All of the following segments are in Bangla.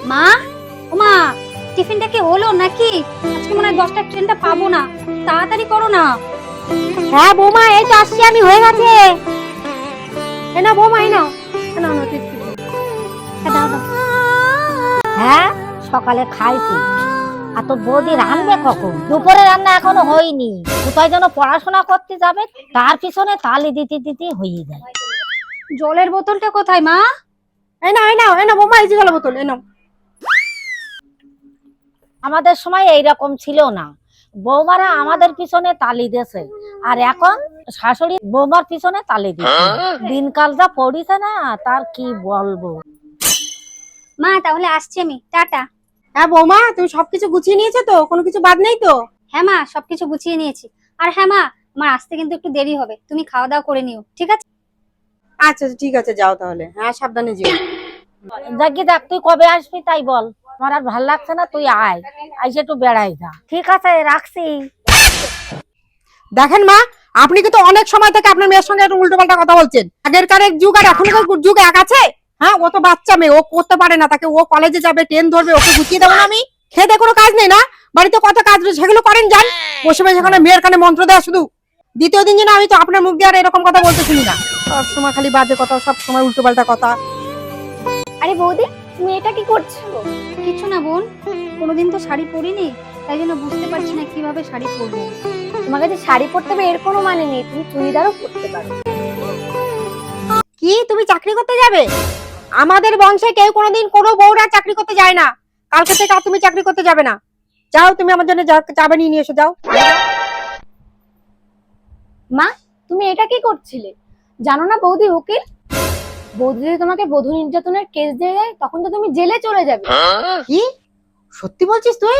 মা, ও মা, টিফিনটা কি হলো নাকি? আজকে মনে হয় 10টার ট্রেনটা পাবো না, তাড়াতাড়ি করো না। হ্যাঁ বৌমা, এই তো আসছি আমি, হয়ে গেছে। এই নাও বৌমা, এই নাও। নাও নাও টিফিন। দাও দাও। হ্যাঁ, সকালে খাইছি। আর তো বৌদি রান্না কখন? দুপুরে রান্না এখনো হয়নি। কোথায় যেন পড়াশোনা করতে যাবে, তার পিছনে তালি দিতে দিতে হয়ে যায়। জলের বোতলটা কোথায় মা? এই নাও, এই নাও, এই নাও বৌমা, এই যে জলের বোতল, এই নাও। আমাদের সময় এইরকম ছিল না। বৌমারা আমাদের পিছনে তালি দিয়েছে, আর এখন শাশুড়ি বৌমার পিছনে তালি দিচ্ছে। দিনকাল যা পড়িছে না, তার কি বলবো। মা তাহলে আসছি আমি, টাটা। হ্যাঁ বৌমা, তুমি সবকিছু গুছিয়ে নিয়েছো তো? কোনো কিছু বাদ নেই তো? হ্যাঁ মা, সবকিছু গুছিয়ে নিয়েছি। আর হ্যাঁ মা, আমার আসতে কিন্তু একটু দেরি হবে, তুমি খাওয়া দাওয়া করে নিও, ঠিক আছে? আচ্ছা ঠিক আছে, যাও তাহলে। হ্যাঁ, সাবধানে যেও। যাকি দেখ, তুই কবে আসবি তাই বল। আমার আর ভাল লাগছে না, তুই আয়, আইসে একটু বেড়াই যা। ঠিক আছে, রাখছি। দেখেন মা, আপনি কিন্তু অনেক সময় থেকে আপনার মেয়ের সঙ্গে একটু উল্টোপাল্টা কথা বলছেন। আগেরকার এক যুগ আর এখনকার যুগ এক আছে? হ্যাঁ, ও তো বাচ্চা মেয়ে, ও করতে পারে না। তাকে ও কলেজে যাবে, ট্রেন ধরবে, ওকে গুছিয়ে দেবো না আমি? খেতে কোনো কাজ নেই না? বাড়িতে কত কাজ রয়েছে, সেগুলো করেন যান। বসে বসে সেখানে মেয়ের কানে মন্ত্র দেওয়া শুধু। দ্বিতীয় দিন যেন আমি তো আপনার মুখ দিয়ে আর এরকম কথা বলতে শুনি না। সব সময় খালি বাজে কথা, সব সময় উল্টোপাল্টা কথা। আরে বৌদি, তুমি এটা কি করছো? কিছু না বোন, কোনোদিন তো শাড়ি পরিনি, তাই জন্য বুঝতে পারছি না কিভাবে শাড়ি পরবো। তোমার কাছে শাড়ি পরতে হবে এর কোনো মানে নেই, তুমি চুড়িদারও পরতে পারো। কি, তুমি চাকরি করতে যাবে? আমাদের বংশে কেউ কোনোদিন কোনো বউরা চাকরি করতে যায় না। কালকে থেকে আর তুমি চাকরি করতে যাবে না। যাও, তুমি আমার জন্য চা বানিয়ে নিয়ে এসো, যাও। মা, তুমি এটা কি করছিলে? জানো না বৌদি উকিল? বৌদি যদি তোমাকে বধূ নির্যাতনের কেস দিয়ে দেয়, তখন তো তুমি জেলে চলে যাবে। কি সত্যি বলছিস তুই?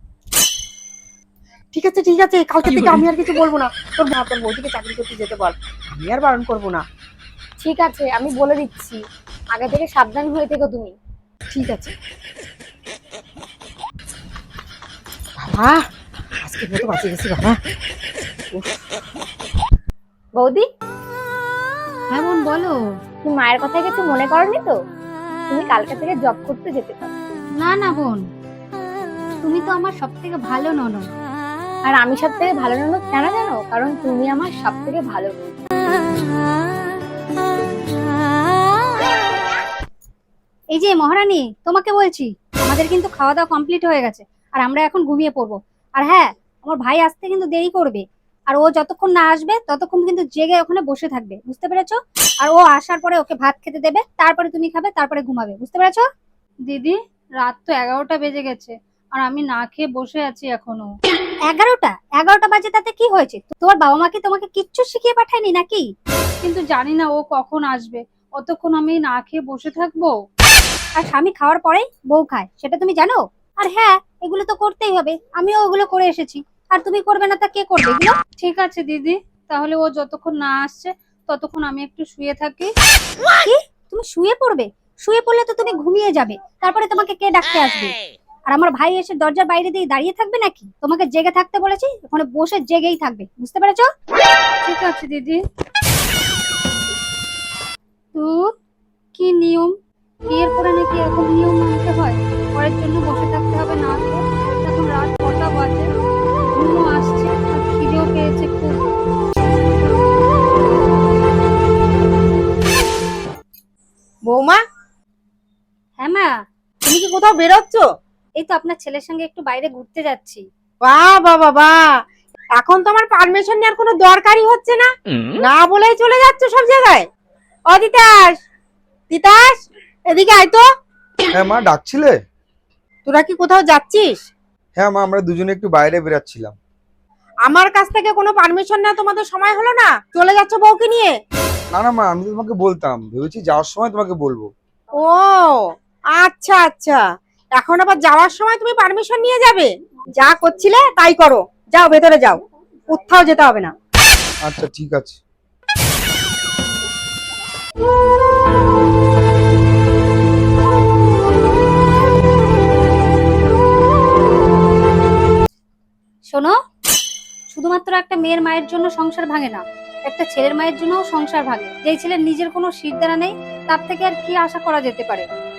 ঠিক আছে ঠিক আছে, কালকে থেকে আমি আর কিছু বলবো না। তোর বৌদিকে চাকরি করতে যেতে বল, আমি আর বারণ করবো না। ঠিক আছে, আমি বলে দিচ্ছি, আগে থেকে সাবধান হয়ে থেকো তুমি। ঠিক আছে বাবা, আজকে মতো বাঁচিয়ে গেছি বাবা। বৌদি, হ্যাঁ বোন বলো। তুমি মায়ের কথা কিছু মনে করনি তো? তুমি কালকে থেকে জব করতে যেতে পারো। না না বোন, তুমি তো আমার সব থেকে ভালো ননদ। আর আমি সব থেকে ভালো ননদ কেন জানো? কারণ তুমি আমার সব থেকে ভালো বোন। এই যে মহারানী, তোমাকে বলছি, আমাদের কিন্তু খাওয়া দাওয়া কমপ্লিট হয়ে গেছে, আর আমরা এখন ঘুমিয়ে পড়বো। আর হ্যাঁ, আমার ভাই আসতে কিন্তু দেরি করবে, আর ও যতক্ষণ না আসবে ততক্ষণ কিন্তু জেগে ওখানে বসে থাকবে, বুঝতে পেরেছো? আর ও আসার পরে ওকে ভাত খেতে দেবে, তারপরে তুমি খাবে, তারপরে ঘুমাবে, বুঝতে পেরেছো? দিদি, রাত তো 11টা বেজে গেছে, আর আমি না খেয়ে বসে আছি এখনো। 11টা বাজে, তাতে কি হয়েছে? তোমার বাবা মা কি তোমাকে কিচ্ছু শিখিয়ে পাঠায়নি নাকি? কিন্তু জানি না ও কখন আসবে, অতক্ষণ আমি না খেয়ে বসে থাকবো? আর স্বামী খাওয়ার পরেই বউ খায়, সেটা তুমি জানো? আর হ্যাঁ, এগুলো তো করতেই হবে, আমিও ওগুলো করে এসেছি। আর তুমি করবে না তা কে করবে এগুলো? ঠিক আছে দিদি, তাহলে ও যতক্ষণ না আসছে ততক্ষণ আমি একটু শুয়ে থাকি। কি, তুমি শুয়ে পড়বে? শুয়ে পড়লে তো তুমি ঘুমিয়ে যাবে, তারপরে তোমাকে কে ডাকতে আসবে? আর আমার ভাই এসে দরজার বাইরে দিয়ে দাঁড়িয়ে থাকবে নাকি? তোমাকে জেগে থাকতে বলেছি, ওখানে বসে জেগেই থাকবে, বুঝতে পেরেছো? ঠিক আছে দিদি। তো কি নিয়ম, বিয়ের পরে নাকি এরকম নিয়ম মানতে হয়? পরের জন্য বসে থাকতে হবে না তো? এখন রাত কটা বাজে, ঘুমও আসছে আর খিদেও পেয়েছে খুব। বৌমা, হ্যাঁ মা। তুমি কি কোথাও বেরোচ্ছ? এই তো আপনার ছেলের সঙ্গে একটু বাইরে ঘুরতে যাচ্ছি। বাহ বাহ বাহ বাহ, এখন তো আমার পারমিশন নেওয়ার কোনো দরকারই হচ্ছে না, না বলেই চলে যাচ্ছ সব জায়গায়। ও তিতাস, তিতাস, এদিকে আয় তো। হ্যাঁ মা, ডাকছিলে? তোরা কি কোথাও যাচ্ছিস? হ্যাঁ মা, আমরা দুজনে একটু বাইরে বেরাচ্ছিলাম। আমার কাছ থেকে কোনো পারমিশন না, তোমাদের সময় হলো না, চলে যাচ্ছ বউকে নিয়ে? না না মা, আমি তো তোমাকে বলতাম, ভেবেছি যাওয়ার সময় তোমাকে বলবো। ও আচ্ছা আচ্ছা, এখন আবার যাওয়ার সময় তুমি পারমিশন নিয়ে যাবে? যা করছিলে তাই করো, যাও ভেতরে যাও, কোথাও যেতে হবে না। আচ্ছা ঠিক আছে। শোনো, শুধুমাত্র একটা মেয়ের মায়ের জন্য সংসার ভাঙে না, একটা ছেলের মায়ের জন্যও সংসার ভাঙে। যেই ছেলের নিজের কোনো শিরদাঁড়া নেই, তার থেকে আর কি আশা করা যেতে পারে?